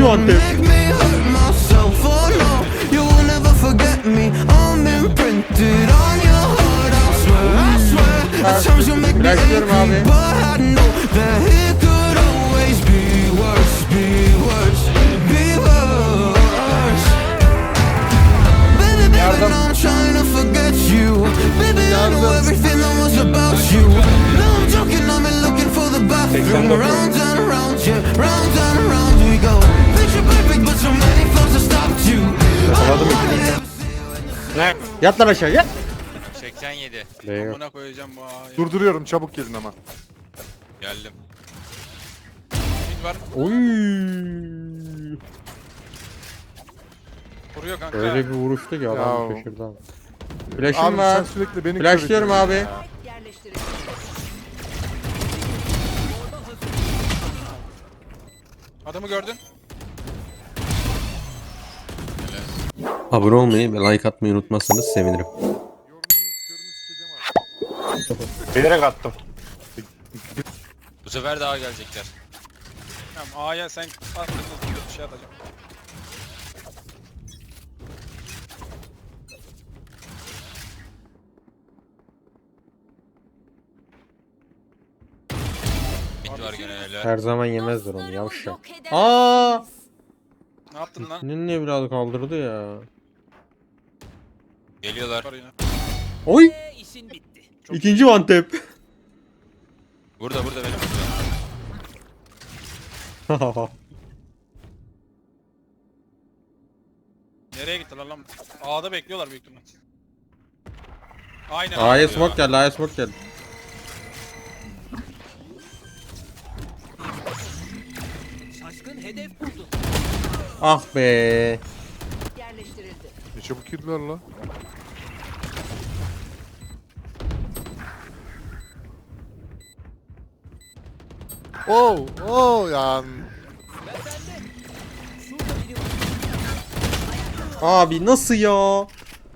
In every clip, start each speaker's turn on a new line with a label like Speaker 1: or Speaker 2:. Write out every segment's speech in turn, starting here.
Speaker 1: İkinci Antep. Bırakıyorum abi.
Speaker 2: Ne?
Speaker 1: Yat lan aşağı yat.
Speaker 3: 87.
Speaker 4: Amına koyacağım bu ağayı.
Speaker 2: Durduruyorum, çabuk gelin ama.
Speaker 3: Geldim.
Speaker 4: Mid var.
Speaker 1: Oy.
Speaker 4: Vuruyor kanka.
Speaker 1: Öyle bir vuruştu ki adam
Speaker 2: Ya.
Speaker 1: şaşırdı abi. Flash'ım
Speaker 2: Abi
Speaker 1: var.
Speaker 2: sen sürekli beni
Speaker 1: Flashlıyorum
Speaker 2: kör ediyorsun
Speaker 1: abi.
Speaker 2: ya.
Speaker 4: Adamı gördün.
Speaker 5: Abone olmayı ve like atmayı unutmazsanız sevinirim.
Speaker 2: Yorumun körünü sikeceğim abi.
Speaker 6: Bilerek attım.
Speaker 3: Bu sefer daha gelecekler.
Speaker 4: Tamam A'ya sen at bir şey atacağım.
Speaker 3: Mid var gene öyle.
Speaker 1: Her zaman yemezler onu yavşak. Aa!
Speaker 4: Ne yaptın lan?
Speaker 1: Senin niye biraz kaldırdı ya?
Speaker 3: Geliyorlar.
Speaker 4: Var yine.
Speaker 1: Oy! İkinci Antep.
Speaker 3: Burada benim.
Speaker 4: Nereye gittiler lan? A'da bekliyorlar büyük ihtimal. Aynen.
Speaker 1: A'ya smoke geldi, A'ya smoke geldi. Ah be.
Speaker 7: Yerleştirildi.
Speaker 2: Ne çabuk girdiler la. Oh, oh ya.
Speaker 1: Abi nasıl ya?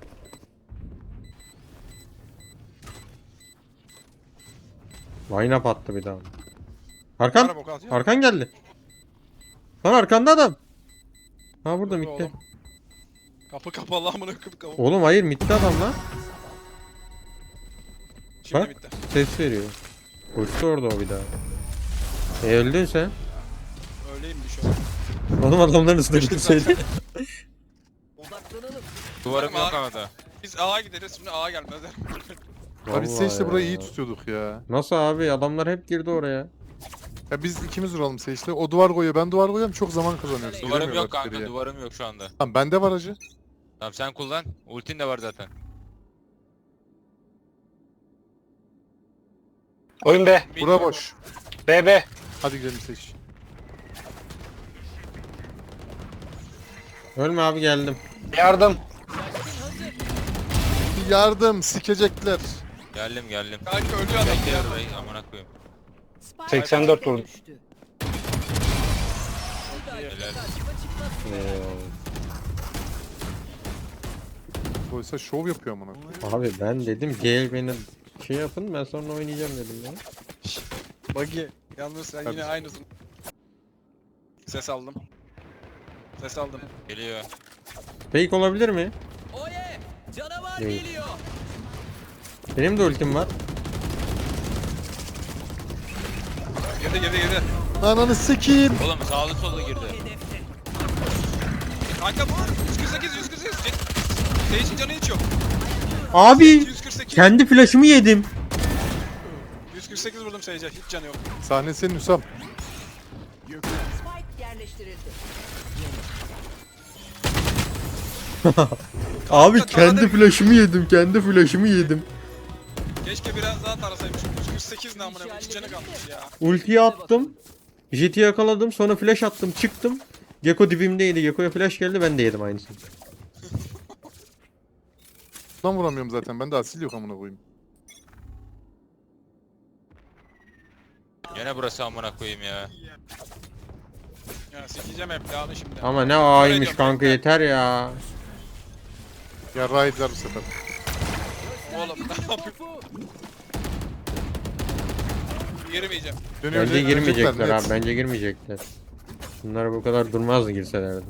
Speaker 1: Line up attı bir daha. Arkan.
Speaker 4: Araba kalkıyor.
Speaker 1: Arkan geldi. Lan arkanda adam. Ha burada mitte.
Speaker 4: Oğlum. Kapı kapalı amına koyayım kapı.
Speaker 1: Oğlum hayır mitte adam lan.
Speaker 4: Şimdi
Speaker 1: Bak.
Speaker 4: bitti.
Speaker 1: Ses veriyor. Koştu orada o bir daha. Öldün sen.
Speaker 4: Öyleymiş o.
Speaker 1: Oğlum adamların üstüne gitseydi.
Speaker 3: Duvarım
Speaker 4: Tamam,
Speaker 3: yok ama da.
Speaker 4: Biz A'ya gideriz şimdi A'ya gelmezler.
Speaker 2: Abi biz
Speaker 1: Vallahi
Speaker 2: Sage'le burayı
Speaker 1: ya.
Speaker 2: iyi tutuyorduk ya.
Speaker 1: Nasıl abi? Adamlar hep girdi oraya.
Speaker 2: Ya biz ikimiz vuralım Sage'le. O duvar koyuyor, ben duvar koyuyorum. Çok zaman kazanıyoruz.
Speaker 3: Duvarım
Speaker 2: Giremiyorlar
Speaker 3: yok kanka,
Speaker 2: içeriye.
Speaker 3: duvarım yok şu anda.
Speaker 2: Tamam bende var acı.
Speaker 3: Tamam sen kullan. Ultin de var zaten.
Speaker 6: Oyun B.
Speaker 2: Bura boş.
Speaker 6: B B.
Speaker 2: Hadi gidelim Sage.
Speaker 1: Ölme abi geldim.
Speaker 6: Yardım.
Speaker 2: Yardım, sikecekler.
Speaker 3: Geldim.
Speaker 4: Kanka ölüyor adam.
Speaker 3: Bekle burayı amına koyayım.
Speaker 6: 84 vurdum.
Speaker 7: Düştü.
Speaker 3: Helal.
Speaker 2: Oysa şov yapıyor amına.
Speaker 1: Abi ben dedim gel beni şey yapın ben sonra oynayacağım dedim ya.
Speaker 4: Buggy. Yalnız sen yine aynısın. Ses aldım. Ses aldım.
Speaker 3: Geliyor.
Speaker 1: Fake olabilir mi?
Speaker 8: Canavar
Speaker 1: Değil.
Speaker 8: geliyor.
Speaker 1: Benim de ultim var.
Speaker 4: Girdi.
Speaker 2: Ananı sikeyim.
Speaker 3: Oğlum sağlı sollu girdi.
Speaker 4: Kanka bu 148. Sage'in canı hiç yok.
Speaker 1: Abi
Speaker 4: 148.
Speaker 1: kendi flash'ımı yedim.
Speaker 4: 148 vurdum Sage'e. Hiç canı yok.
Speaker 2: Sahne senin Hüsam.
Speaker 7: Spike yerleştirildi.
Speaker 1: Abi
Speaker 4: taradı.
Speaker 1: kendi flash'ımı yedim.
Speaker 4: Keşke biraz daha tarasaymışım. 148 ne amına koyayım. Hiç canı kalmış ya.
Speaker 1: Ultiyi attım. Jet'i yakaladım sonra flash attım çıktım. Gekko dibimdeydi. Gekko'ya flash geldi ben de yedim aynısını.
Speaker 2: Lan vuramıyorum zaten. Ben de asil yok amına koyayım.
Speaker 3: Gene burası amına koyayım ya.
Speaker 4: Ya sikeceğim hep yağını şimdi.
Speaker 1: Ama ne aymış kanka yeter ya.
Speaker 2: Ya raidler bu sefer.
Speaker 4: Oğlum ne yapayım? Girmeyeceğim.
Speaker 2: Dönüyor,
Speaker 1: Bence
Speaker 2: dönecekler,
Speaker 1: girmeyecekler
Speaker 2: net.
Speaker 1: abi bence girmeyecekler. Bunlar bu kadar durmazdı girselerdi.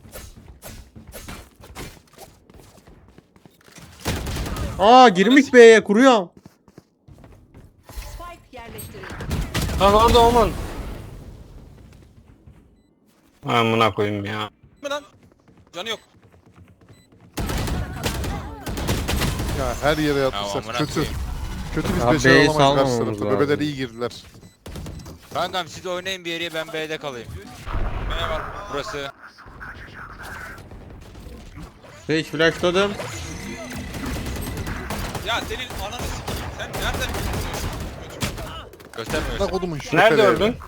Speaker 1: Aa girmiş B'ye kuruyorum.
Speaker 7: Spike yerleştirildi.
Speaker 6: Lan orada olman. Amına koyayım ya.
Speaker 4: Mi lan? Canı yok.
Speaker 2: Ya her yere
Speaker 3: Ya
Speaker 2: yatmışlar.
Speaker 3: amına
Speaker 2: Kötü.
Speaker 3: koyayım.
Speaker 2: Kötü biz
Speaker 1: Abi
Speaker 2: beşer
Speaker 1: B'yi
Speaker 2: olamayız karşı
Speaker 1: salmamamız
Speaker 2: tarafta.
Speaker 1: lazım.
Speaker 2: Bebeler iyi girdiler.
Speaker 3: Kankam siz oynayın bir yere, ben B'de kalayım.
Speaker 4: B var.
Speaker 3: Burası.
Speaker 1: Hiç flashladım.
Speaker 4: Ya senin ananı sikeyim. Sen nereden biliyorsun?
Speaker 3: Göstermiyorsun.
Speaker 2: Bak odumun şu
Speaker 6: Nerede
Speaker 2: tepelere.
Speaker 6: öldün?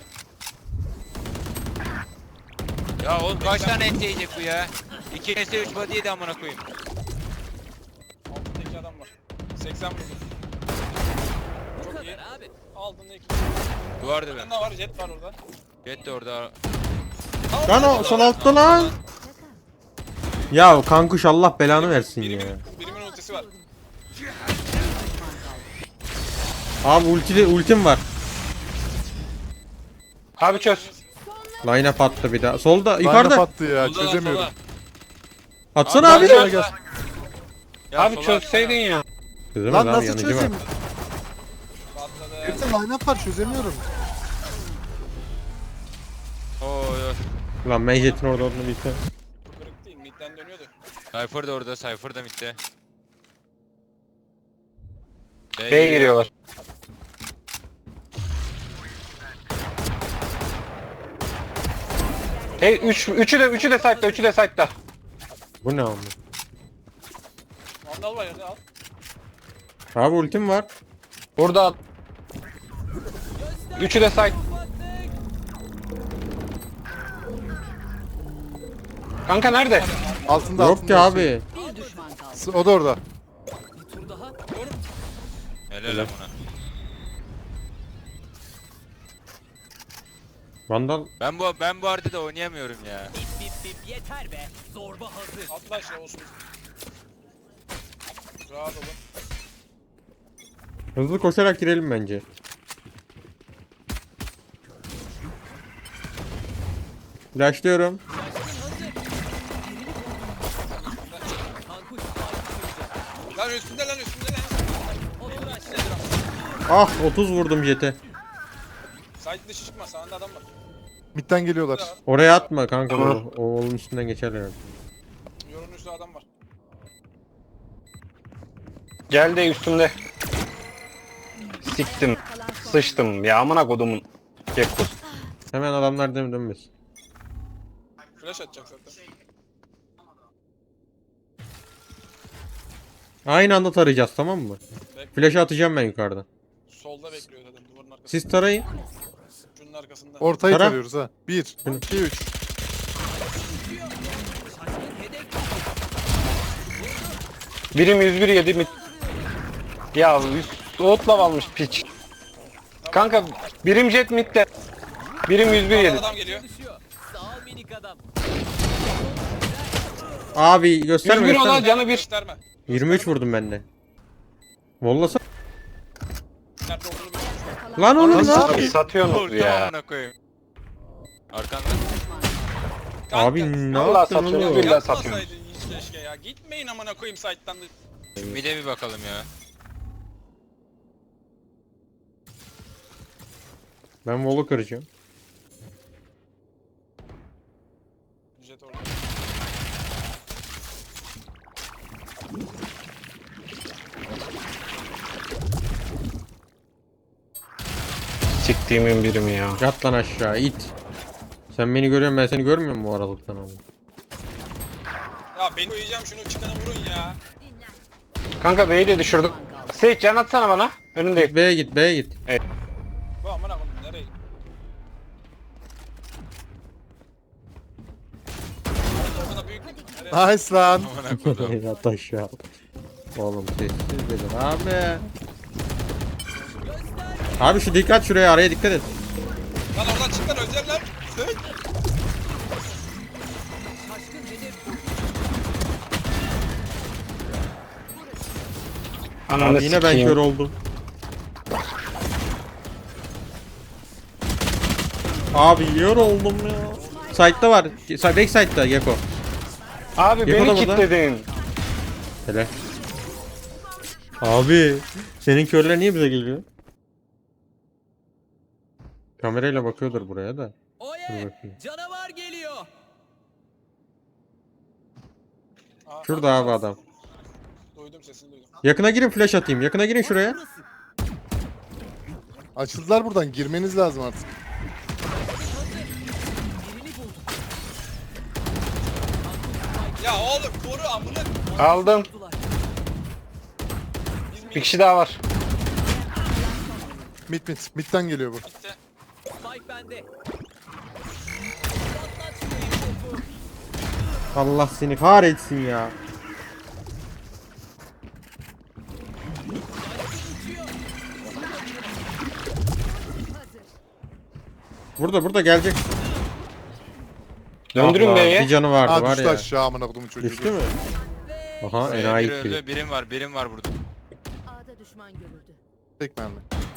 Speaker 3: Ya oğlum kaç tane et yiyecek bu ya? 2 S 3 body yedi amına koyayım.
Speaker 4: Altındaki adam var. 80 vurdu.
Speaker 8: Bu
Speaker 4: Çok iyi.
Speaker 8: kadar abi.
Speaker 4: Altında iki.
Speaker 3: Duvardı ben.
Speaker 4: Yanında var. Jet var orada.
Speaker 3: Jet de orada.
Speaker 1: Lan o sol altta lan. Ya kankuş Allah belanı versin ya.
Speaker 4: Birimin ultisi var.
Speaker 1: Abi ultim var.
Speaker 6: Abi çöz.
Speaker 1: Line up attı bir daha. Solda
Speaker 2: Line
Speaker 1: yukarıda.
Speaker 2: attı ya
Speaker 3: Solda lan,
Speaker 2: çözemiyorum.
Speaker 3: sola.
Speaker 1: Atsana abi.
Speaker 2: Gel, gel.
Speaker 3: Ya
Speaker 6: Abi
Speaker 3: sola
Speaker 6: çözseydin ya.
Speaker 1: Kızım
Speaker 2: Lan
Speaker 1: abi
Speaker 2: nasıl
Speaker 1: yanıcı var.
Speaker 2: çözeyim?
Speaker 4: Patladı.
Speaker 2: Hepsi line up var çözemiyorum.
Speaker 3: Oy oy.
Speaker 1: Lan ben jetin orada olduğunu bilsem.
Speaker 4: Bu kırık değil. Midden dönüyordu.
Speaker 3: Cypher da orada, Cypher da midde.
Speaker 6: B'ye giriyorlar. Hey üçü de site'da, üçü de site'da.
Speaker 1: Bu ne ama?
Speaker 4: Vandal var yerde al.
Speaker 1: Abi ultim var.
Speaker 6: Burada al. Üçü de site. Kanka nerede?
Speaker 2: Altında
Speaker 1: Yok
Speaker 2: altında.
Speaker 1: ki abi.
Speaker 7: Bir düşman kaldı.
Speaker 2: O da orada.
Speaker 8: Bir tur daha.
Speaker 3: Helal amına.
Speaker 1: Vandal.
Speaker 3: Ben bu haritada oynayamıyorum ya.
Speaker 8: Bip bip bip yeter be. Zorba hazır.
Speaker 4: Atla aşağı olsun. Rahat olun.
Speaker 1: Hızlı koşarak girelim bence. Flashlıyorum.
Speaker 8: Kankuş spike
Speaker 4: Lan üstünde lan üstünde lan.
Speaker 8: Otur aşağı.
Speaker 1: Ah 30 vurdum jete.
Speaker 4: Site dışı çıkma. Sağında adam var.
Speaker 2: Midden geliyorlar.
Speaker 1: Oraya atma kanka. O oğlun üstünden geçerler. herhalde.
Speaker 4: Yorun üstü adam var.
Speaker 6: Geldi üstümde. Siktim. Sıçtım ya amına kodumun. Gekkus.
Speaker 1: Hemen adamlar dönmesin.
Speaker 4: Flash atacak zaten.
Speaker 1: Aynı anda tarayacağız tamam mı?
Speaker 4: Bekle.
Speaker 1: Flash'ı atacağım ben yukarıdan.
Speaker 4: Solda bekliyor zaten duvarın arkasında.
Speaker 1: Siz tarayın.
Speaker 4: Şunun arkasında.
Speaker 2: Ortayı
Speaker 1: Tara.
Speaker 2: tarıyoruz ha. 1, 2, 3.
Speaker 6: Birim 101 yedi mi? Ya soğutla almış piç. Kanka birim jet midde. Birim 101 yedi.
Speaker 4: Adam geliyor.
Speaker 8: Düşüyor. Sağ ol minik adam.
Speaker 1: Abi gösterme
Speaker 6: 101 olan
Speaker 1: gösterme.
Speaker 6: canı bir.
Speaker 4: Gösterme.
Speaker 1: 23 vurdum ben de. Vollasa.
Speaker 4: Nerede olduğunu bilmiyorum.
Speaker 1: Lan oğlum
Speaker 2: Nasıl?
Speaker 1: lan.
Speaker 6: Satıyorsunuz
Speaker 3: Ulti
Speaker 6: ya.
Speaker 3: amına koyayım. Arkanda.
Speaker 1: Abi ne
Speaker 6: Vallahi
Speaker 1: yaptın
Speaker 6: satıyorsunuz,
Speaker 1: oğlum?
Speaker 6: billahi.
Speaker 4: Yapmasaydın hiç keşke ya. Gitmeyin amına koyayım site'tan da.
Speaker 3: Bir de bir bakalım ya.
Speaker 1: Ben Vol'u kıracağım.
Speaker 4: Jet orada.
Speaker 6: Siktiğimin birimi ya.
Speaker 1: Yat lan aşağı it. Sen beni görüyorsun ben seni görmüyorum mu aralıktan abi?
Speaker 4: Ya beni koyacağım şunu çıkana vurun ya.
Speaker 6: Kanka B'yi de düşürdük. Seyit can atsana bana. Önündeyim.
Speaker 1: B'ye git B'ye git.
Speaker 4: Bu amına koyayım nereye? Ortada büyük. Nereye?
Speaker 2: Nice lan.
Speaker 3: Amına koydum.
Speaker 1: Yat aşağı. Oğlum sessiz dedim abi. Abi şu dikkat şuraya araya dikkat et.
Speaker 4: Lan oradan çık lan özlerler. Sık.
Speaker 6: Ananı
Speaker 1: Abi yine ben
Speaker 6: sikeyim.
Speaker 1: kör oldum. Abi yiyor oldum ya. Side'da var. Back side'da Gecko.
Speaker 6: Abi
Speaker 1: Gecko da
Speaker 6: beni
Speaker 1: burada.
Speaker 6: kilitledin.
Speaker 1: Helal. Abi senin körler niye bize geliyor? Kamerayla bakıyordur buraya da. Dur
Speaker 8: Oye!
Speaker 1: bakayım.
Speaker 8: Canavar geliyor.
Speaker 1: Şurada abi adam.
Speaker 4: Duydum sesini duydum.
Speaker 1: Yakına girin, flash atayım. Yakına girin şuraya.
Speaker 8: Burası.
Speaker 2: Açıldılar buradan. Girmeniz lazım artık.
Speaker 8: Birini buldum.
Speaker 4: Ya oğlum koru amına.
Speaker 6: Aldım.
Speaker 8: Buldular.
Speaker 6: Bir kişi daha var.
Speaker 2: Mid. Mid'den geliyor bu.
Speaker 8: Spike bende. Patlat şurayı topu.
Speaker 1: Allah seni kahretsin ya. Burada gelecek.
Speaker 6: Döndürün
Speaker 1: Allah,
Speaker 6: B'ye.
Speaker 1: Bir canı vardı
Speaker 2: Aa
Speaker 1: var
Speaker 2: düştü
Speaker 1: ya.
Speaker 2: aşağı amına kodumun çocuğu.
Speaker 1: Düştü mü? Aha enayi
Speaker 3: Biri
Speaker 1: gibi.
Speaker 3: öldü. Birim var burada.
Speaker 7: A'da düşman görüldü.
Speaker 2: Tek mermi.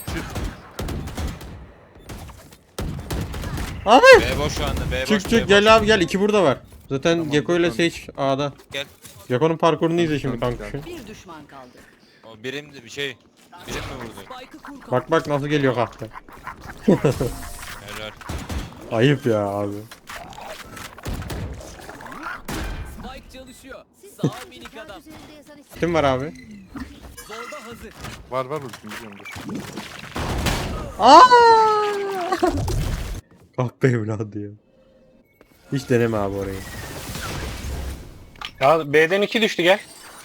Speaker 1: Abi
Speaker 3: B boş şu anda. B boş.
Speaker 1: çık
Speaker 3: B
Speaker 1: çık
Speaker 3: boş.
Speaker 1: gel abi gel. 2 burada var. Zaten
Speaker 2: Tamam,
Speaker 1: Gecko ile
Speaker 2: tamam.
Speaker 1: Sage A'da.
Speaker 3: Gel.
Speaker 1: Gecko'nun parkurunu izle şimdi
Speaker 2: Tamam,
Speaker 1: kanka.
Speaker 7: Bir düşman kaldı.
Speaker 3: O birim de bir şey. Birim mi vurdu?
Speaker 8: Spike'ı kur kalk.
Speaker 1: Bak nasıl geliyor kahve.
Speaker 3: Helal.
Speaker 1: Ayıp ya abi.
Speaker 8: Spike çalışıyor. Sağ ol minik
Speaker 7: Kağıt
Speaker 8: adam.
Speaker 7: üzerinde yazan isim.
Speaker 1: Kim var abi?
Speaker 8: Zorba hazır.
Speaker 2: Var ultim biliyorum dur.
Speaker 1: Aa! Kahpe evladı ya. Hiç deneme abi orayı.
Speaker 6: Ya B'den 2 düştü gel.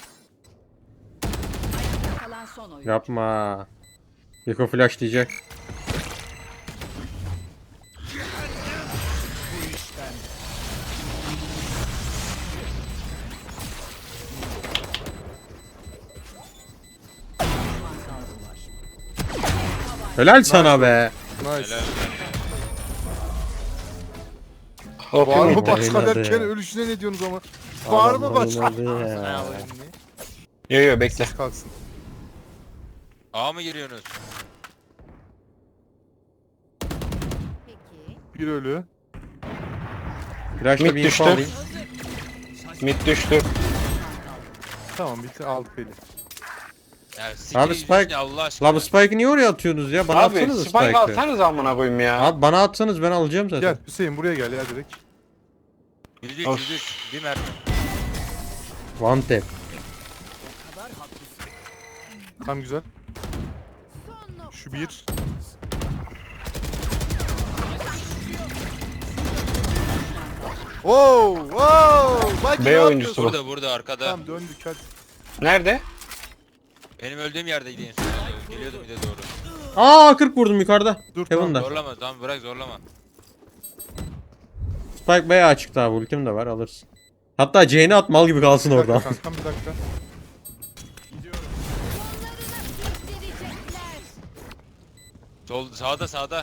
Speaker 7: Kalan son oyun.
Speaker 1: Yapma. Gecko flash diyecek. Helal sana be.
Speaker 2: Nice.
Speaker 3: Helal.
Speaker 2: Var mı
Speaker 1: Oynadı
Speaker 2: başka
Speaker 1: ya.
Speaker 2: derken ölüşüne ne diyorsunuz ama? Var mı
Speaker 1: Adam
Speaker 2: başka?
Speaker 1: oynadı ya.
Speaker 6: Yo bekle.
Speaker 2: Kalksın.
Speaker 3: A mı giriyorsunuz?
Speaker 7: Peki.
Speaker 2: Bir ölü.
Speaker 1: Flash'la
Speaker 6: Mid
Speaker 1: bir info
Speaker 6: düştü.
Speaker 1: alayım.
Speaker 6: Mid düştü.
Speaker 2: Tamam bitti aldık beni.
Speaker 3: Ya
Speaker 1: Abi
Speaker 3: siktir
Speaker 1: Spike-
Speaker 3: yüzünü Allah aşkına.
Speaker 1: La bu Spike'ı niye oraya atıyorsunuz ya? Bana
Speaker 6: Abi
Speaker 1: atsanız
Speaker 6: Spike
Speaker 1: Spike'ı.
Speaker 6: alsanız amına koyayım ya.
Speaker 1: Abi bana atsanız ben alacağım zaten.
Speaker 2: Gel Hüseyin buraya gel ya direkt.
Speaker 3: %3
Speaker 6: Of.
Speaker 3: %3. Bir mermi.
Speaker 1: One tap.
Speaker 8: Kadar haklısın.
Speaker 2: Tam güzel.
Speaker 7: Son nokta.
Speaker 2: Şu bir. Wow! Bak
Speaker 6: B
Speaker 2: ne yapıyorsun?
Speaker 6: oyuncusu bu.
Speaker 3: Burada arkada.
Speaker 2: Tamam döndük hadi.
Speaker 6: Nerede?
Speaker 3: Benim öldüğüm yerdeydi en son. Geliyordum bir de doğru.
Speaker 1: Aa 40 vurdum yukarıda.
Speaker 2: Dur tamam.
Speaker 1: Heaven'da.
Speaker 3: Zorlama tamam bırak zorlama.
Speaker 1: Spike bayağı açıkta abi. Ultim de var alırsın. Hatta C'ni at mal gibi kalsın
Speaker 2: Bir dakika
Speaker 1: orada.
Speaker 2: kankam bir dakika.
Speaker 7: Sürükleyecekler.
Speaker 3: Sol sağda.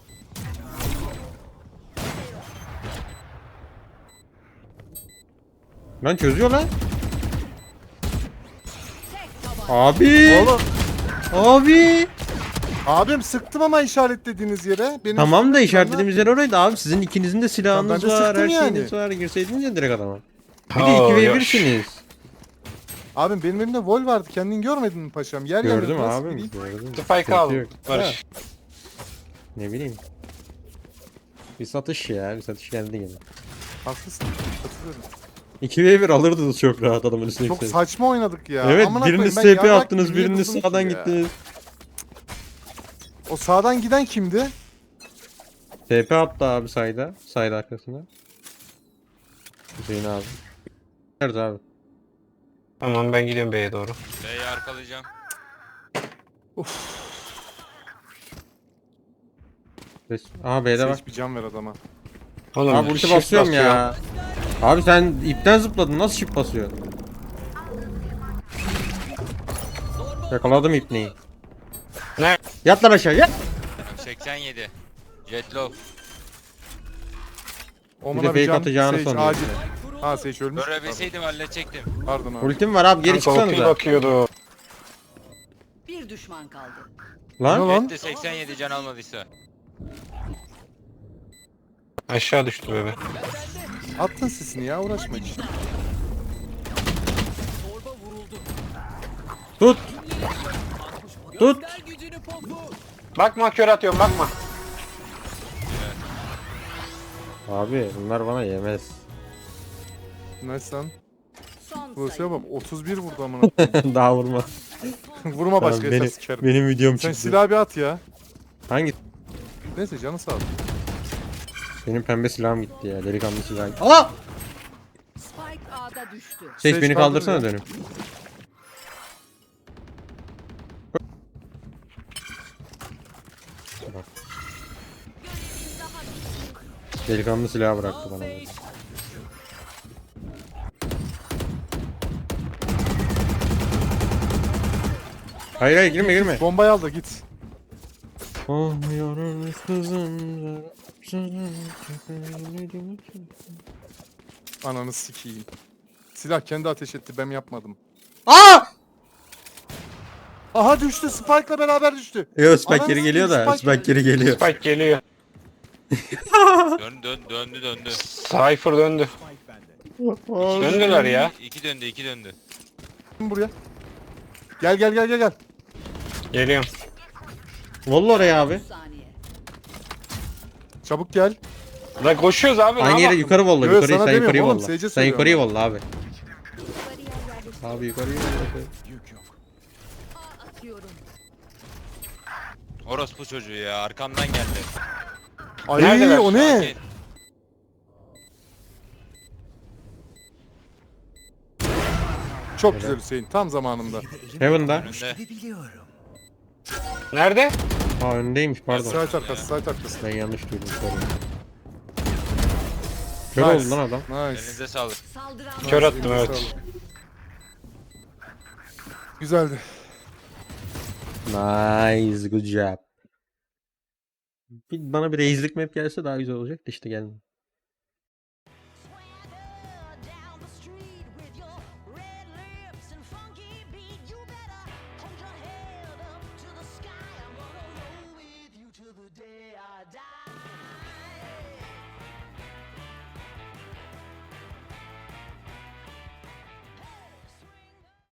Speaker 1: Lan çözüyor lan. Abi.
Speaker 2: Oğlum.
Speaker 1: Abi.
Speaker 2: Abim sıktım ama işaretlediğiniz yere. Benim
Speaker 1: Tamam da
Speaker 2: üstümde
Speaker 1: işaretlediğimiz yer oraydı abi. Sizin ikinizin de silahınız
Speaker 2: Tamam, ben de
Speaker 1: var,
Speaker 2: sıktım
Speaker 1: her
Speaker 2: yani.
Speaker 1: şeyiniz var. Girseydiniz ya direkt adama. Bir de
Speaker 6: Oo,
Speaker 1: 2v1'siniz.
Speaker 2: Abim benim elimde vol vardı. Kendin görmedin mi paşam? Yer
Speaker 1: Gördüm
Speaker 2: yanıyor, nasıl
Speaker 1: abi.
Speaker 2: bileyim?
Speaker 1: Gördüm.
Speaker 6: Spike
Speaker 1: Sıkıntı
Speaker 6: al.
Speaker 1: yok.
Speaker 6: Barış.
Speaker 1: Ha, ne bileyim. Bir satış ya. Bir satış geldi gene.
Speaker 2: Haklısın. Katılıyorum.
Speaker 1: 2v1 alırdınız çok rahat adamın üstüne.
Speaker 2: Çok
Speaker 1: gitseniz.
Speaker 2: saçma oynadık ya.
Speaker 1: Evet
Speaker 2: Amına
Speaker 1: biriniz
Speaker 2: koyayım, ben
Speaker 1: TP
Speaker 2: yarrak
Speaker 1: attınız,
Speaker 2: gibi niye
Speaker 1: biriniz
Speaker 2: durdum ki
Speaker 1: sağdan
Speaker 2: ya?
Speaker 1: gittiniz.
Speaker 2: O sağdan giden kimdi?
Speaker 1: TP attı abi sayda. Sayda arkasına. Hüseyin abi. Nerede abi?
Speaker 6: Tamam ben gidiyorum B'ye doğru.
Speaker 3: B'yi arkalayacağım.
Speaker 1: Aha B'de var.
Speaker 2: Seç bir can ver adama.
Speaker 6: Oğlum
Speaker 1: Abi ulti
Speaker 6: shift
Speaker 1: basıyorum
Speaker 6: basıyor.
Speaker 1: ya. Abi sen ipten zıpladın. Nasıl shift basıyorsun? Yakaladım ipneyi.
Speaker 6: Ne?
Speaker 1: Yat lan aşağı yat.
Speaker 3: 87. Jetlow.
Speaker 2: Omuna
Speaker 1: fake
Speaker 2: bir can.
Speaker 1: atacağını
Speaker 2: Sage
Speaker 1: sanıyorum.
Speaker 2: acil. Ha Sage ölmüş.
Speaker 3: Görebilseydim halledecektim.
Speaker 2: Pardon abi.
Speaker 1: Ultim var abi geri
Speaker 6: Kanka ulti
Speaker 1: çıksanıza.
Speaker 6: bakıyordu.
Speaker 7: Bir düşman kaldı.
Speaker 1: Lan.
Speaker 2: Ne lan?
Speaker 3: Jet de 87 can almadıysa.
Speaker 6: Aşağı düştü bebe.
Speaker 2: Attın sesini ya uğraşma hiç.
Speaker 8: Torba vuruldu.
Speaker 1: Tut. Tut.
Speaker 8: Göster gücünü popu.
Speaker 6: Bakma kör atıyorum bakma.
Speaker 1: Abi bunlar bana yemez.
Speaker 2: Nice lan.
Speaker 7: Son
Speaker 2: Buse'ye
Speaker 7: sayı.
Speaker 2: bak 31 vurdu amına.
Speaker 1: Daha vurma.
Speaker 2: Vurma
Speaker 1: Tamam,
Speaker 2: başka
Speaker 1: benim,
Speaker 2: esas sikerim.
Speaker 1: benim videom
Speaker 2: Sen
Speaker 1: çıktı.
Speaker 2: silah bir at ya.
Speaker 1: Hangi?
Speaker 2: Neyse canı sağ ol.
Speaker 1: Benim pembe silahım gitti ya. Delikanlı silahım gitti. Aa!
Speaker 7: Spike A'da düştü.
Speaker 1: Seç
Speaker 2: Seç
Speaker 1: beni
Speaker 2: kaldır
Speaker 1: kaldırsana
Speaker 2: ya.
Speaker 1: dönüp. Bak. Delikanlı silahı bıraktı bana. böyle. Hayır hayır girme girme.
Speaker 2: Bombayı al da git.
Speaker 1: Olmuyoruz kızım.
Speaker 2: Ananı sikeyim. Silah kendi ateş etti ben yapmadım.
Speaker 1: Aa!
Speaker 2: Aha düştü Spike'la beraber düştü.
Speaker 1: Yo Spike
Speaker 2: Ananı
Speaker 1: geri geliyor da
Speaker 2: sikeyim, Spike
Speaker 1: Spike geri geliyor.
Speaker 6: Spike geliyor.
Speaker 3: Döndü.
Speaker 6: Cypher döndü. Döndüler ya.
Speaker 3: İki döndü.
Speaker 2: Buraya. Gel.
Speaker 6: Geliyorum.
Speaker 1: Vallahi oraya abi.
Speaker 7: Saniye.
Speaker 2: Çabuk gel.
Speaker 6: La koşuyoruz abi. ne
Speaker 1: Aynı yere
Speaker 6: yapalım?
Speaker 1: yukarı volla.
Speaker 2: Yo,
Speaker 1: Yukarıyı
Speaker 2: sana
Speaker 1: sen yukarıyı
Speaker 2: demiyorum oğlum,
Speaker 1: volla.
Speaker 2: Sage'e
Speaker 1: Sen
Speaker 2: söylüyorum
Speaker 1: yukarıyı
Speaker 2: ben.
Speaker 1: volla abi.
Speaker 7: Bariyer yerleştir.
Speaker 1: Abi yukarıyı volla.
Speaker 7: Atıyorum.
Speaker 3: Orospu çocuğu ya arkamdan geldi.
Speaker 2: Ay
Speaker 6: Neredeler
Speaker 2: o
Speaker 6: şu
Speaker 2: ne?
Speaker 3: Sakin.
Speaker 2: Çok güzel Hüseyin tam zamanında.
Speaker 1: Heaven'da.
Speaker 3: Önünde.
Speaker 6: Nerede?
Speaker 1: Aa önündeymiş pardon.
Speaker 2: Site arkası.
Speaker 1: Ben yanlış duydum sorry. Kör oldu lan adam.
Speaker 2: Nice.
Speaker 3: Elinize sağlık.
Speaker 7: Saldıran
Speaker 6: Kör attım
Speaker 2: Elinize
Speaker 6: evet.
Speaker 2: sağlık. Güzeldi.
Speaker 1: Nice good job. Bana bir reislik map gelse daha güzel olacak da işte gelmedi.